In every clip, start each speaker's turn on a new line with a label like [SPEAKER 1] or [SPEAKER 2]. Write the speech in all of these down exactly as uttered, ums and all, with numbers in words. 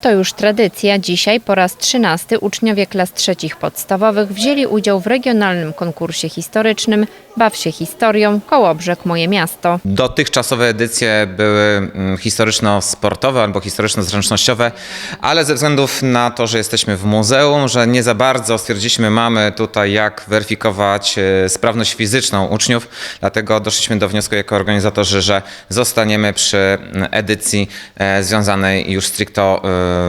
[SPEAKER 1] To już tradycja. Dzisiaj po raz trzynasty uczniowie klas trzecich podstawowych wzięli udział w regionalnym konkursie historycznym Baw się historią Kołobrzeg Moje Miasto.
[SPEAKER 2] Dotychczasowe edycje były historyczno-sportowe albo historyczno-zręcznościowe, ale ze względów na to, że jesteśmy w muzeum, że nie za bardzo stwierdziliśmy, mamy tutaj jak weryfikować sprawność fizyczną uczniów, dlatego doszliśmy do wniosku jako organizatorzy, że zostaniemy przy edycji związanej już stricto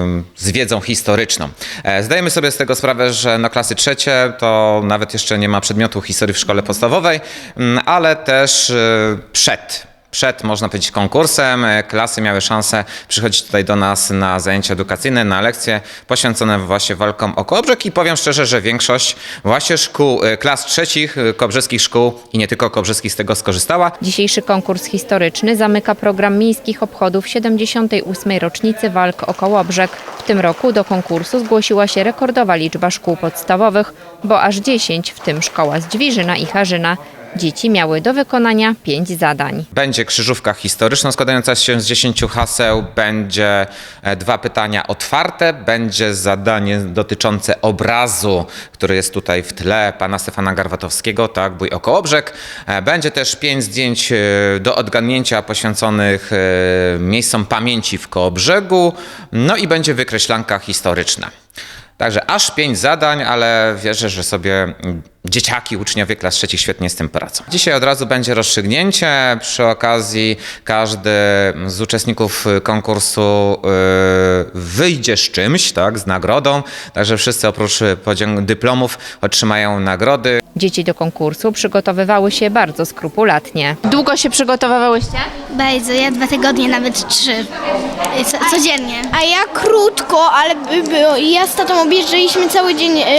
[SPEAKER 2] z wiedzą historyczną. Zdajemy sobie z tego sprawę, że no klasy trzecie to nawet jeszcze nie ma przedmiotu historii w szkole podstawowej, ale też przed. Przed, można powiedzieć, konkursem klasy miały szansę przychodzić tutaj do nas na zajęcia edukacyjne, na lekcje poświęcone właśnie walkom o Kołobrzeg i powiem szczerze, że większość właśnie szkół, klas trzecich, kołobrzeskich szkół i nie tylko kołobrzeskich z tego skorzystała.
[SPEAKER 1] Dzisiejszy konkurs historyczny zamyka program miejskich obchodów siedemdziesiątej ósmej rocznicy walk o Kołobrzeg. W tym roku do konkursu zgłosiła się rekordowa liczba szkół podstawowych, bo aż dziesięć, w tym szkoła z Dźwiżyna i Harzyna. Dzieci miały do wykonania pięć zadań.
[SPEAKER 2] Będzie krzyżówka historyczna składająca się z dziesięciu haseł, będzie dwa pytania otwarte, będzie zadanie dotyczące obrazu, który jest tutaj w tle, pana Stefana Garwatowskiego, tak, Bój o Kołobrzeg. Będzie też pięć zdjęć do odgadnięcia poświęconych miejscom pamięci w Kołobrzegu, no i będzie wykreślanka historyczna. Także aż pięć zadań, ale wierzę, że sobie dzieciaki, uczniowie klas trzecich świetnie z tym poradzą. Dzisiaj od razu będzie rozstrzygnięcie. Przy okazji każdy z uczestników konkursu wyjdzie z czymś, tak, z nagrodą. Także wszyscy oprócz dyplomów otrzymają nagrody.
[SPEAKER 1] Dzieci do konkursu przygotowywały się bardzo skrupulatnie. Długo się przygotowywałyście?
[SPEAKER 3] Bardzo, ja dwa tygodnie, nawet trzy, Co, codziennie.
[SPEAKER 4] A ja krótko, ale by- by- ja z tatą objeżdżaliśmy cały dzień y,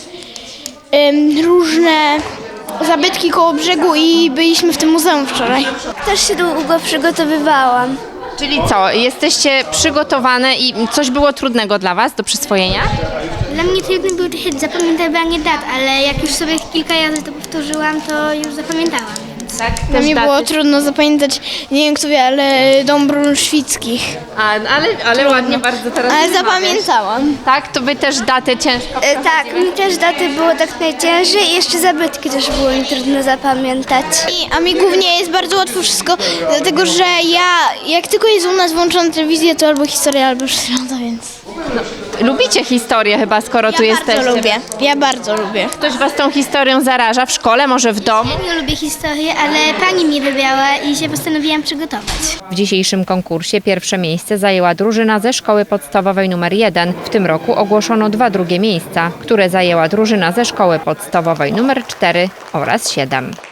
[SPEAKER 4] y, różne zabytki koło brzegu i byliśmy w tym muzeum wczoraj.
[SPEAKER 3] Też się długo przygotowywałam.
[SPEAKER 1] Czyli co, jesteście przygotowane i coś było trudnego dla Was do przyswojenia?
[SPEAKER 3] Dla mnie trudne było trochę zapamiętywanie dat, ale jak już sobie kilka razy to powtórzyłam, to już zapamiętałam.
[SPEAKER 1] Tak,
[SPEAKER 4] Dla mnie było trudno zapamiętać, nie wiem kto wie, ale dom Brunszwickich.
[SPEAKER 1] A, ale, ale ładnie bardzo teraz
[SPEAKER 4] Ale
[SPEAKER 1] wymawiasz.
[SPEAKER 4] zapamiętałam.
[SPEAKER 1] Tak, to Wy też daty ciężko.
[SPEAKER 3] tak, mi też daty było tak najciężej i jeszcze zabytki też było mi trudno zapamiętać.
[SPEAKER 4] I, a mi głównie jest bardzo łatwo wszystko, dlatego że ja, jak tylko jest u nas włączona telewizja, to albo historia, albo przyroda, więc...
[SPEAKER 1] Lubicie historię chyba, skoro tu
[SPEAKER 4] Ja
[SPEAKER 1] jesteście.
[SPEAKER 4] bardzo lubię, ja bardzo lubię.
[SPEAKER 1] Ktoś Was tą historią zaraża w szkole, może w domu?
[SPEAKER 3] Ja nie lubię historii, ale pani mnie wybrała i się postanowiłam przygotować.
[SPEAKER 1] W dzisiejszym konkursie pierwsze miejsce zajęła drużyna ze szkoły podstawowej numer jeden. W tym roku ogłoszono dwa drugie miejsca, które zajęła drużyna ze szkoły podstawowej numer cztery oraz siedem.